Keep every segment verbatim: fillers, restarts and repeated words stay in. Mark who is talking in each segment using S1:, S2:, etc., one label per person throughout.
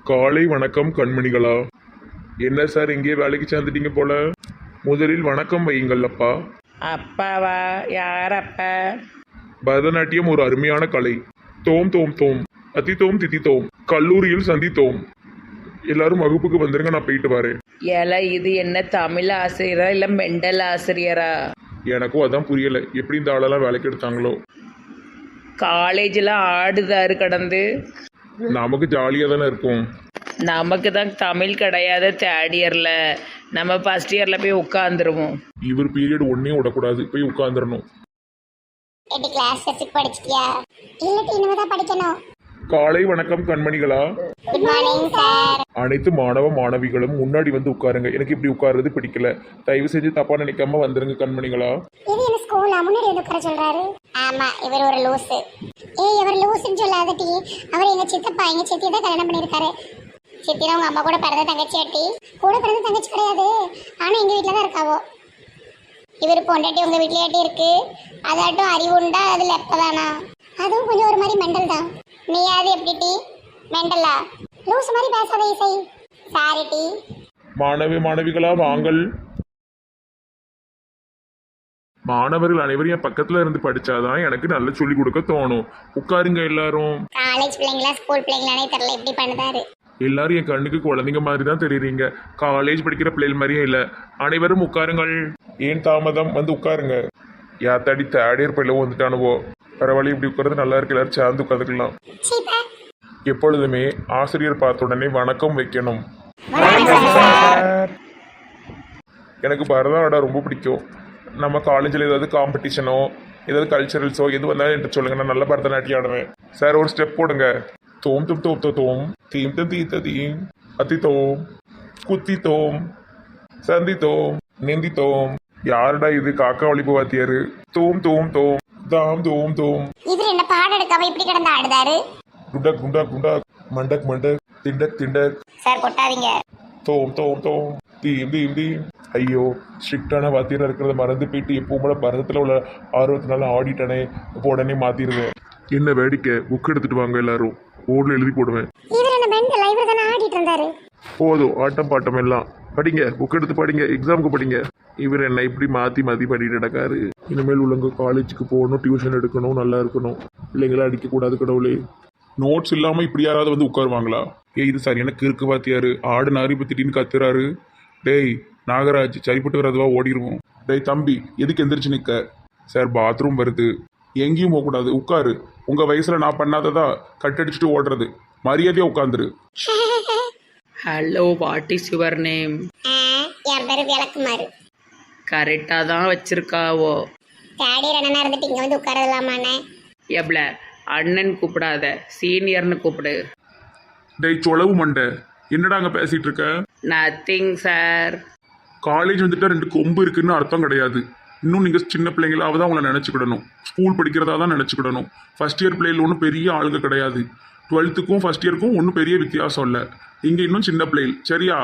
S1: காலை வணக்கம் கண்மணிகளா. என்ன சார் இங்கே வேலைக்கு சேர்ந்துட்டீங்க போல. முதலில் வணக்கம் வையுங்கள் அப்பா.
S2: அப்பாவா? யார் அப்பா?
S1: பரதநாட்டியம் ஒரு அருமையான கலை. தோம் தோம் தோம் அத்தி தோம் தித்தி தோம் கல்லூரியில் சந்தித்தோம். எல்லாரும் வகுப்புக்கு வந்துருங்க, நான் போயிட்டு வரேன்.
S2: ஏல இது என்ன தமிழ் ஆசிரியரா இல்லை மெண்டல் ஆசிரியரா?
S1: எனக்கும் அதான் புரியல, எப்படி இந்த ஆளெல்லாம் வேலைக்கு எடுத்தாங்களோ.
S2: காலேஜில் ஆடுதாரு கடந்து.
S1: நமக்கு ஜாலியாக தானே இருக்கும்.
S2: நமக்கு தான் தமிழ் கிடையாது தேர்ட் இயரில். நம்ம ஃபஸ்ட் இயரில் போய் உட்காந்துருவோம்.
S1: இவர் பீரியட் ஒன்னே விடக்கூடாது, போய் உட்காந்துடணும்.
S3: எட்டு கிளாஸ் டெஸ்ட் படிச்சிட்டியா? இல்ல இனிமே தான் படிக்கணும்.
S1: காலை வணக்கம் கண்மணிகளா.
S3: Good morning sir.
S1: அனைத்து மாணவ மாணவிகளும் முன்னாடி வந்து உட்காருங்க. எனக்கு இப்படி உட்கார்றது பிடிக்கல. தயவு செஞ்சு தப்பா நினைக்காம வந்துருங்க கண்மணிகளா.
S3: இது என்ன ஸ்கூலா? முன்னாடி வந்து உட்கார சொல்றாரு. ஆமா, இவர் ஒரு லூசு. ஏய், இவர் லூசுன்னு சொல்லாதட்டி. அவர் எங்க சித்தப்பா, எங்க சித்தி தான் கல்யாணம் பண்ணிருக்காரு. சித்தினா உங்க அம்மா கூட பிறந்த தங்கச்சி ஆட்டி. கூட பிறந்த தங்கச்சி கிடையாது, ஆனா எங்க வீட்டுல தான் இருக்காவோ. இவர் பொண்டாட்டி உங்க வீட்லயாட்டி இருக்கு. அதாட்டும் அறிவு உண்டா? அதுல எப்பதானா? அதுவும் கொஞ்சம் ஒரு மாதிரி மெண்டல் தான். நீயாவது எப்படி டி? மெண்டலா? லூசு மாதிரி பேசாத இசை. சாரி டி.
S1: மாணவி மாணவிகளா வாங்கள். மாணவர்கள் அனைவரும் என் பக்கத்துல இருந்து படிச்சாதான் எனக்கு நல்லா சொல்லி கொடுக்க தோணும். உட்காருங்க எல்லாரும்.
S3: காலேஜ் பிள்ளைங்களா ஸ்கூல் பிள்ளைங்களானே தெரியல, இப்படி பண்ணுதாரு.
S1: எல்லாரும் என் கண்ணுக்கு குழந்தைங்க மாதிரி தான் தெரியுறீங்க. காலேஜ் படிக்கிற பிள்ளைகள் மாதிரியே இல்லை. அனைவரும் உட்காருங்கள். ஏன் தாமதம்? வந்து உட்காருங்க. யாத்தாடி தேடியர் பிள்ளைவோ வந்துட்டானுவோ. பரவாயில்ல, இப்படி உட்கார்றது நல்லா இருக்கு. எல்லாரும் சேர்ந்து உட்காந்துக்கலாம். எப்பொழுதுமே ஆசிரியர் பார்த்த உடனே வணக்கம் வைக்கணும். எனக்கு பரதநாட்டம் ரொம்ப பிடிக்கும். நம்ம காலேஜில் ஏதாவது காம்படிஷனோ ஏதாவது கல்ச்சரல்ஸோ எது வந்தாலும் என்கிட்ட சொல்லுங்க, நான் நல்லா பரதநாட்டியம் ஆடுவேன். சார் ஒரு ஸ்டெப் போடுங்க. தோம் தும் தோம் தோ தோம் தீம் தம் தீ தீம் அத்தி தோம் குத்தி தோம் சந்தி தோம் நெந்தி தோம். யாருடா இது? காக்கா ஒளிப்பு வாத்தியாரு. தோம் தோம் தோம் தாம் தோம் தோம்.
S3: இவர் என்ன பாடம் எடுக்காம இப்படி கிடந்து ஆடுதாரு.
S1: குண்டக் குண்டக் குண்டக் மண்டக் மண்டக் திண்டக் திண்டக்.
S3: சார் கொட்டாதீங்க.
S1: தோம் தோம் தோம் தீம் தீம் தீம். ஐயோ, ஸ்ட்ரிக்டான வாத்தியாராக இருக்கிறத மறந்து போயிட்டு எப்பவும் போல பரதத்தில் உள்ள ஆர்வத்தினால ஆடிட்டனே. இப்போ உடனே மாத்திடுவேன். என்ன வேடிக்கை? புக் எடுத்துட்டு வாங்க எல்லாரும். போர்டில் எழுதி போடுவேன்.
S3: இவர் என்ன மெண்டல்? இவர் தானே ஆடிட்டு இருந்தாரு.
S1: போதும் ஆட்டம் பாட்டம் எல்லாம். படிங்க, புக் எடுத்து படிங்க, எக்ஸாமுக்கு படிங்க. இவர் என்ன இப்படி மாற்றி மாற்றி பண்ணிட்டு நடக்காரு. இனிமேல் உள்ளவங்க காலேஜுக்கு போகணும், டியூஷன் எடுக்கணும், நல்லா இருக்கணும். பிள்ளைங்களா அடிக்கக்கூடாது கடவுளே. நோட்ஸ் இல்லாமல் இப்படி யாராவது வந்து உட்காருவாங்களா? ஏய், இது சரி எனக்கு இருக்கு வாத்தியாரு. ஆடுனாரு இப்போ திடீர்னு கத்துறாரு. டேய் நாகராஜ், சரிப்பட்டு வராதுவா, ஓடிடுவோம். டேய் தம்பி, எதுக்கு எந்திரிச்சு நிற்க? சார் பாத்ரூம் வருது. எங்கேயும் போகக்கூடாது, உட்காரு. உங்கள் வயசில் நான் பண்ணாததா கட்டடிச்சுட்டு ஓடுறது. மரியாதையாக உட்காந்துரு.
S2: Hello, what is your name?
S3: என் பேரு விளக்குமாறு.
S2: கரெக்டாக தான் வச்சிருக்காவோ.
S3: தேடியர் அண்ணனா இருந்துட்டு இங்க வந்து உட்காரலாமாண்ணே?
S2: எவ்வள அண்ணன் கூப்பிடாத, சீனியர்னு கூப்பிடு.
S1: டேய் சொலவு மண்டை, என்னடா அங்கே பேசிகிட்டு இருக்க?
S2: Nothing sir.
S1: காலேஜ் வந்துட்டா ரெண்டு கொம்பு இருக்குன்னு அர்த்தம் கிடையாது. இன்னும் நீங்கள் சின்ன பிள்ளைங்களாவது தான் அவங்கள நினச்சிக்கிடணும். ஸ்கூல் படிக்கிறதா தான் நினச்சிக்கிடணும். ஃபஸ்ட் இயர் பிள்ளைகள் ஒன்றும் பெரிய ஆளுங்க கிடையாது. டுவெல்த்துக்கும் ஃபஸ்ட் இயருக்கும் ஒன்றும் பெரிய வித்தியாசம் இல்லை. இங்கே இன்னும் சின்ன பிள்ளைகள், சரியா?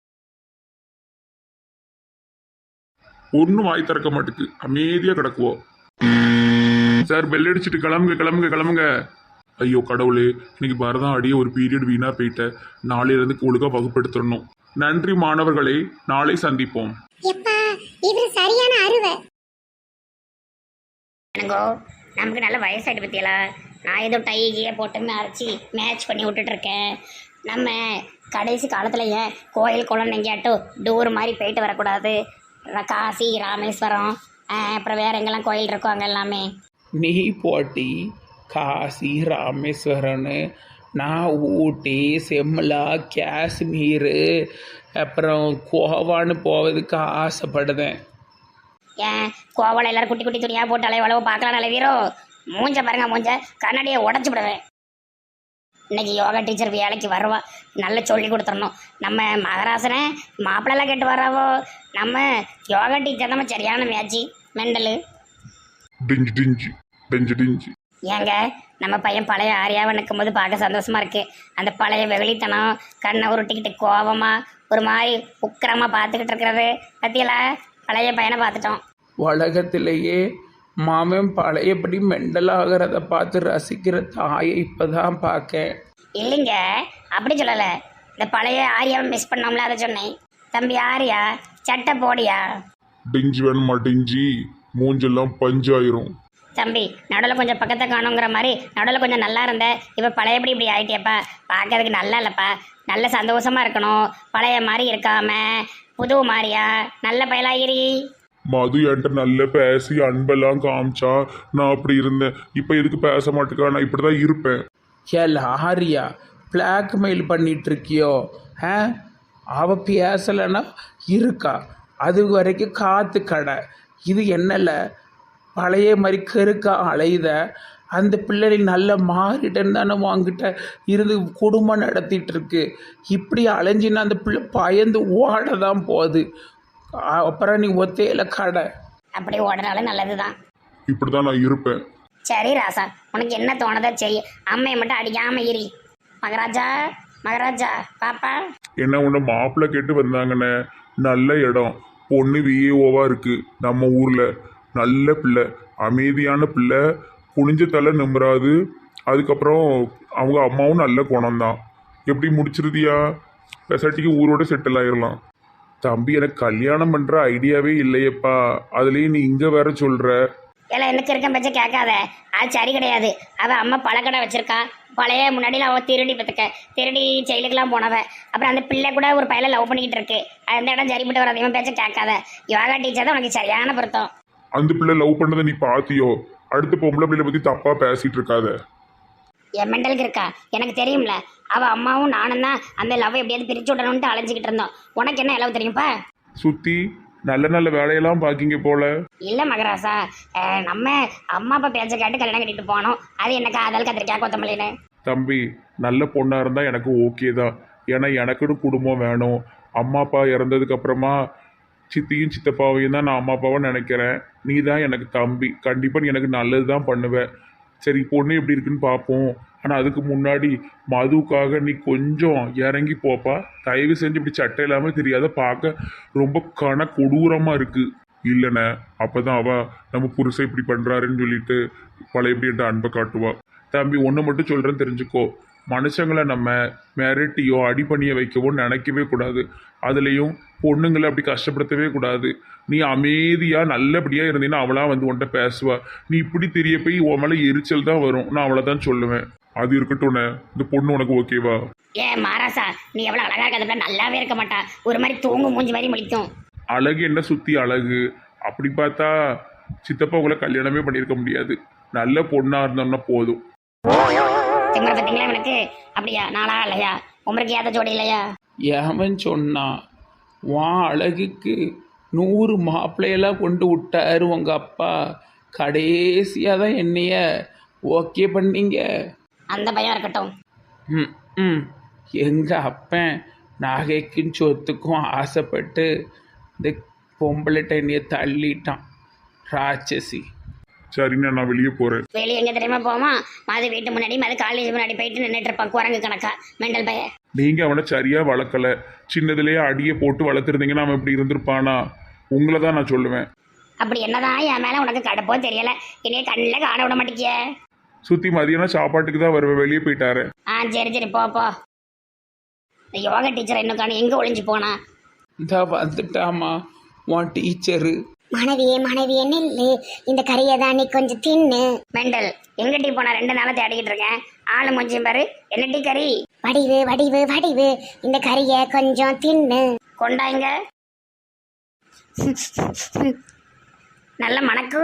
S1: ஒன்றும் வாய் திறக்க மாட்டுக்கு, அமைதியாக கிடக்குவோம். சார் பெல் அடிச்சுட்டு கிளம்புங்க கிளம்புங்க கிளம்புங்க. ஐயோ கடவுளே, இன்னைக்கு பரதம் அடியே ஒரு பீரியட் வீணாக போயிட்டேன். நாளையிலேருந்து ஒழுங்காக வகுப்படுத்தணும். நன்றி மாணவர்களே, நாளை சந்திப்போம்.
S3: எப்பா, இவர் சரியான அருவை.
S4: நமக்கு நல்ல வயசாயிட்டு பத்தியலா. நான் ஏதோ டைகியே போட்டு அரைச்சி மேட்ச் பண்ணி விட்டுட்டு இருக்கேன். நம்ம கடைசி காலத்தில் ஏன் கோயில் குளம் எங்கேயாட்டும் டூர் மாதிரி போயிட்டு வரக்கூடாது? காசி ராமேஸ்வரம் அப்புறம் வேற எங்கெல்லாம் கோயில் இருக்கோ அங்கே எல்லாமே.
S2: நீ போட்டி காசி ராமேஸ்வரன்னு, நான் ஊட்டி செம்லா காஷ்மீரு அப்புறம் கோவான்னு போவதுக்கு ஆசைப்படுதேன்.
S4: ஏன் கோவாவில் எல்லாரும் குட்டி குட்டி துணியாக போட்டு அலைவளவு பார்க்கலாம் நல்ல வீரோ. மூஞ்ச பாருங்க, மூஞ்ச கண்ணாடியை உடச்சி விடுவேன். இன்னைக்கு யோகா டீச்சர் வேலைக்கு வருவா, நல்லா சொல்லி கொடுத்துடணும். நம்ம மகராசனை மாப்பிள்ளெல்லாம் கேட்டு வராவோ. நம்ம யோகா டீச்சர் நம்ம சரியான மேட்சி மெண்டலு.
S1: டிஞ்சு டிஞ்சு டிஞ்சு டிஞ்சு.
S4: ஏங்க நம்ம பையன் பழைய ஆரியாவை நிற்கும் போது பார்க்க சந்தோஷமா இருக்கு. அந்த பழைய வெகுளித்தனம், கண்ணை உருட்டிக்கிட்டு கோவமா ஒரு மாதிரி உக்கிரமா பார்த்துக்கிட்டு இருக்கிறது பத்தியலா. பழைய பையனை பார்த்துட்டோம்.
S2: உலகத்திலேயே மாமன் பழையபடி மெண்டலாகிறத பார்த்து ரசிக்கிற தாயை இப்போதான் பார்க்க.
S4: இல்லைங்க, அப்படி சொல்லலை. இந்த பழைய ஆரியாவை மிஸ் பண்ணோம்ல அதை சொன்னேன். தம்பி ஆரியா சட்டை போடியா.
S1: டிஞ்சி வேணுமா டிஞ்சி? மூஞ்செல்லாம் பஞ்சாயிரும்.
S4: தம்பி நடுவில் கொஞ்சம் பக்கத்தை காணுங்கிற மாதிரி நடுவில் கொஞ்சம் நல்லா இருந்த இப்போ பழையபடி இப்படி ஆயிட்டியப்பா. பார்க்கறதுக்கு நல்லா இல்லைப்பா. நல்ல சந்தோஷமா இருக்கணும். பழைய மாதிரி இருக்காம புது மாதிரியா நல்ல பயலாகிரி.
S1: மது என்கிட்ட நல்ல பேசி அன்பெல்லாம் காமிச்சா நான் அப்படி இருந்தேன். இப்போ எதுக்கு பேச மாட்டேக்கா? நான் இப்படி தான் இருப்பேன்.
S5: ஏல ஆரியா பிளாக்மெயில் பண்ணிட்டு இருக்கியோ? ஆ அவ பேசலைன்னா இருக்கா? அது வரைக்கும் காத்து கடை. இது என்னல பழைய மாதிரி கருக்கா அலையுத? அந்த பிள்ளை நல்ல மாறிட்டேன்னு தானே வாங்கிட்ட இருந்து குடும்பம் நடத்திட்டு இருக்கு. இப்படி அலைஞ்சின்னா அந்த பிள்ளை பயந்து ஓட தான் போகுது. அப்புறம் நீ ஒத்தையில கடை.
S4: அப்படி ஓடுறாலும் நல்லதுதான்.
S1: இப்படி தான் நான் இருப்பேன்.
S4: சரி ராசா உனக்கு என்ன தோணுதோ செய். அம்மையை மட்டும் அடிக்காம இரி. மகராஜா மகராஜா பாப்பா.
S1: என்ன ஒன்று மாப்பிள்ளை கேட்டு வந்தாங்கண்ணே. நல்ல இடம், பொண்ணு விஏஓவா இருக்கு நம்ம ஊர்ல. நல்ல பிள்ளை, அமைதியான பிள்ளை, குனிஞ்ச தலை நிம்மறாது. அதுக்கப்புறம் அவங்க அம்மாவும் நல்ல குணம்தான். எப்படி முடிச்சிருதியா? பெசாட்டிக்கு ஊரோட செட்டில் ஆயிடலாம். தம்பி எனக்கு கல்யாணம் பண்ற ஐடியாவே இல்லையப்பா. அதுலேயும் நீ இங்க வேற சொல்ற.
S4: இல்லை எனக்கு இருக்க பச்சை கேட்காத. அது சரி கிடையாது. அவள் அம்மா பழக்கடை வச்சிருக்கா. பழைய முன்னாடியில் அவள் திருடி பத்துக்க திருடி செயலுக்கெல்லாம் போனவ. அப்புறம் அந்த பிள்ளை கூட ஒரு பையலை லவ் பண்ணிக்கிட்டு இருக்கு. அந்த இடம் சரிப்பட்டு வர அதிகமாக பேச்ச கேட்காத. யோகா டீச்சர் தான் உனக்கு சரியான பொருத்தம்.
S1: அந்த பிள்ளை லவ் பண்ணதை நீ பாத்தியோ? அடுத்த பொம்பளை பிள்ளை பத்தி தப்பா பேசிட்டு இருக்காத.
S4: என் மெண்டலுக்கு இருக்கா எனக்கு தெரியும்ல. அவள் அம்மாவும் நானும் தான் அந்த லவ் எப்படியாவது பிரிச்சு விடணும்ட்டு அலைஞ்சிக்கிட்டு இருந்தோம். உனக்கு என்ன லவ் தெரியும்ப்பா?
S1: சுத்தி நல்ல நல்ல வேலையெல்லாம் பாக்கிங்க போல.
S4: இல்லை மகராசா, அஹ் நம்ம அம்மா அப்பா பேச்ச கேட்டு கல்யாணம் கட்டிட்டு போனோம். அது என்ன காதல் கத்திரிக்காய் கொத்தமல்லின்னு.
S1: தம்பி நல்ல பொண்ணா இருந்தா எனக்கு ஓகே தான். ஏன்னா எனக்குன்னு குடும்பம் வேணும். அம்மா அப்பா இறந்ததுக்கு அப்புறமா சித்தியும் சித்தப்பாவையும் தான் நான் அம்மா அப்பாவை நினைக்கிறேன். நீ தான் எனக்கு தம்பி. கண்டிப்பாக நீ எனக்கு நல்லது தான் பண்ணுவேன். சரி பொண்ணு எப்படி இருக்குன்னு பார்ப்போம். ஆனால் அதுக்கு முன்னாடி மதுவுக்காக நீ கொஞ்சம் இறங்கி போப்பா. தயவு செஞ்சு இப்படி சட்டை இல்லாமல் தெரியாத. பார்க்க ரொம்ப கன கொடூரமாக இருக்குது. இல்லைண்ணே அப்போ தான் அவள் நம்ம புருஷன் இப்படி பண்ணுறாருன்னு சொல்லிட்டு பழையபடி என்கிட்ட அன்பை காட்டுவா. தம்பி ஒன்று மட்டும் சொல்கிறேன்னு தெரிஞ்சுக்கோ. மனுஷங்களை நம்ம மிரட்டியோ அடி பண்ணிய வைக்கவோ நினைக்கவே கூடாது. அதுலேயும் பொண்ணுங்களை அப்படி கஷ்டப்படுத்தவே கூடாது. நீ அமைதியாக நல்லபடியாக இருந்தீங்கன்னா அவளா வந்து உன்கிட்ட பேசுவா. நீ இப்படி தெரிய போய் உன் மேலே எரிச்சல் தான் வரும். நான் அவளை தான் சொல்லுவேன். அது இருக்கட்டும்ண்ணே. இந்த பொண்ணு உனக்கு ஓகேவா?
S4: ஏ மாராசா நீ எவ்வளோ அழகா இருக்கிறத நல்லாவே இருக்க மாட்டா. ஒரு மாதிரி தூங்கும் மூஞ்சி மாதிரி முழிக்கும்.
S1: அழகு என்ன சுற்றி அழகு? அப்படி பார்த்தா சித்தப்பா உங்களை கல்யாணமே பண்ணியிருக்க முடியாது. நல்ல பொண்ணாக இருந்தோம்னா போதும்.
S4: திமுறை பார்த்தீங்களா எனக்கு? அப்படியா? நாளா இல்லையா? உமருக்கு ஏத்த ஜோடி இல்லையா?
S5: ஏவன் சொன்னான் வா அழகுக்கு நூறு மாப்பிள்ளையெல்லாம் கொண்டு விட்டாரு உங்கள் அப்பா. கடைசியாக தான் என்னைய ஓகே பண்ணீங்க.
S4: அந்த பையன் இருக்கட்டும்.
S5: ம் ம் எங்கள் அப்பன் நகைக்கும் சொத்துக்கும் ஆசைப்பட்டு இந்த பொம்பளைட்ட என்னைய தள்ளிட்டான். ராட்சசி.
S1: சரிண்ணா நான் வெளியே போகிறேன்.
S4: வெளியே எங்கே தெரியுமா போமா? மது வீட்டு முன்னாடி மது காலேஜ் முன்னாடி போயிட்டு நின்றுட்டு இருப்பான் குரங்கு கணக்கா மெண்டல் பையன்.
S1: நீங்கள் அவனை சரியாக வளர்க்கலை. சின்னதுலேயே அடியை போட்டு வளர்த்துருந்தீங்கன்னா அவன் இப்படி இருந்திருப்பானா? உங்களை தான் நான் சொல்லுவேன்.
S4: அப்படி என்னதான் என் மேலே உனக்கு கடப்போ தெரியல. என்னைய கண்ணில் காண விட மாட்டேங்கிய.
S1: சுற்றி மதியானம் சாப்பாட்டுக்கு தான் வருவேன். வெளியே போயிட்டாரு.
S4: ஆ சரி சரி போ போ. இந்த யோகா டீச்சர் இன்னும் காணும். எங்கே ஒளிஞ்சு போனா?
S5: இந்த வந்துட்டாமா உன் டீச்சரு.
S3: மனைவியே மனைவியே நில்லு. இந்த கறியை தான் நீ கொஞ்சம் தின்னு.
S4: மெண்டல் எங்க டீ போனா? ரெண்டு நாளா தேடிக்கிட்டு இருக்கேன். ஆளு மூஞ்சியும் பாரு. என்ன டீ கறி?
S3: வடிவு வடிவு வடிவு இந்த கறியை கொஞ்சம் தின்னு.
S4: கொண்டாங்க. நல்ல மணக்கு.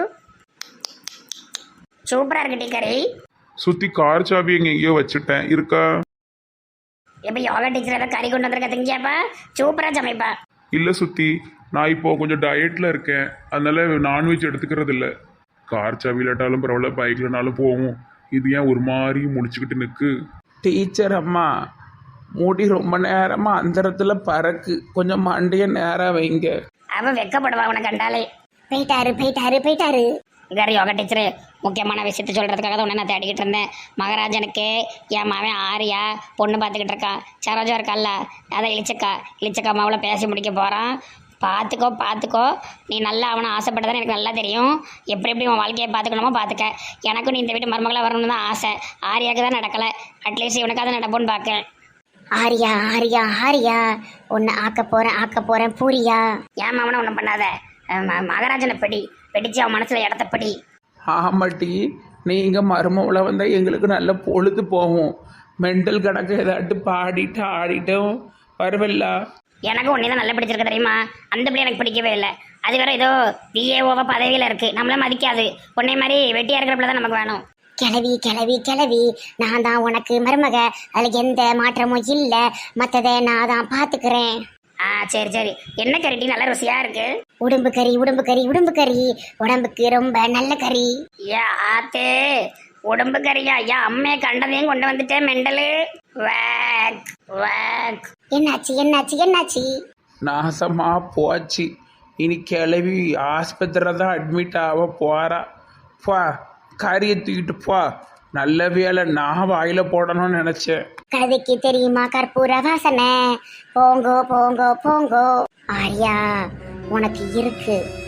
S4: சூப்பரா இருக்கு டீ கறி.
S1: சுற்றி கார் சாவி எங்கே எங்கேயோ வச்சுட்டேன். இருக்கா?
S4: எப்ப யோகா டீச்சர் ஏதாவது கறி கொண்டு வந்திருக்க திங்கியாப்பா? சூப்பரா சமைப்பா.
S1: இல்லை சுற்றி நான் இப்போது கொஞ்சம் டயட்டில் இருக்கேன். அதனால நான்வெஜ் எடுத்துக்கிறது இல்லை. கார் சாவி இல்லாட்டாலும் பரவாயில்ல, பைக்லனாலும் போவோம். இது ஏன் ஒரு மாதிரி முடிச்சுக்கிட்டு நிற்கு?
S5: டீச்சர் அம்மா முடி ரொம்ப நேரமாக அந்த இடத்துல பறக்கு. கொஞ்சம் மண்டைய நேரம் வைங்க.
S4: அவ வெக்கப்படுவா உனக்கு கண்டாலே.
S3: போயிட்டாரு போயிட்டாரு போயிட்டாரு.
S4: வேறு யோகா டீச்சரு முக்கியமான விஷயத்த சொல்கிறதுக்காக தான் உடனே நான் தேடிக்கிட்டு இருந்தேன். மகாராஜனுக்கு என் மாவன் ஆரியா பொண்ணு பார்த்துக்கிட்டு இருக்கா. சரோஜா இருக்கால்ல, அதை இழிச்சக்கா இழிச்சக்கா மாவில் பேசி முடிக்க போகிறான். பார்த்துக்கோ பார்த்துக்கோ. நீ நல்லா அவனை ஆசைப்பட்டதான் எனக்கு நல்லா தெரியும். எப்படி எப்படி உன் வாழ்க்கையை பார்த்துக்கணுமோ பார்த்துக்க. எனக்கும் நீ இந்த வீட்டு மருமகளாக வரணும்னு தான் ஆசை. ஆரியாவுக்கு தான் நடக்கலை. அட்லீஸ்ட் இவனுக்காக தான் நடப்போன்னு பார்க்கேன்.
S3: ஆரியா ஆரியா ஆரியா உன்னை ஆக்க போறேன் ஆக்க போறேன் பூரியா.
S4: ஏன் மாமனை ஒன்றும் பண்ணாத. ம- மகாராஜனை பிடி பிடிச்சு அவன் மனசுல இடத்த பிடி.
S5: ஆமாட்டி நீங்கள் மருமவளை வந்தால் எங்களுக்கு நல்ல பொழுது போகும். மெண்டல் கணக்கு ஏதாட்டு பாடிட்டு ஆடிட்டும் வருவல்ல.
S4: எனக்கு ஒன்னே தான் நல்லா பிடிச்சிருக்கு தெரியுமா. அந்த பிள்ளை எனக்கு பிடிக்கவே இல்லை. அது வேற ஏதோ பிஏஓவா பதவியில் இருக்கு, நம்மள மதிக்காது. உன்னை மாதிரி வெட்டியா இருக்கிற பிள்ளை தான் நமக்கு வேணும்.
S3: கிளவி கிளவி கிளவி நான் தான் உனக்கு மருமக, அதுல எந்த மாற்றமும் இல்ல, மத்ததை நான் தான் பாத்துக்கிறேன்.
S4: ஆ சரி சரி. என்ன கறிட்டி நல்ல ருசியா இருக்கு.
S3: உடம்பு கறி உடம்பு கறி உடம்பு கறி உடம்புக்கு ரொம்ப நல்ல கறி.
S4: ஏ ஆத்தே உடம்பு கறியா? ஐயா அம்மையை கண்டதையும் கொண்டு வந்துட்டேன் மெண்டலு. Wake wake.
S3: என்னாச்சு என்னாச்சு என்னாச்சு?
S5: நாசமாக போச்சு. இனி கிளவி ஆஸ்பத்திரியில் தான் அட்மிட் ஆக போகிறா. பா கறியை தூக்கிட்டு போ. நல்ல வேலை நான் வாயில் போடணும்னு நினச்சேன்.
S3: கதைக்கு தெரியுமா கற்பூர வாசனை? போங்கோ போங்கோ போங்கோ. ஆரியா உனக்கு இருக்கு.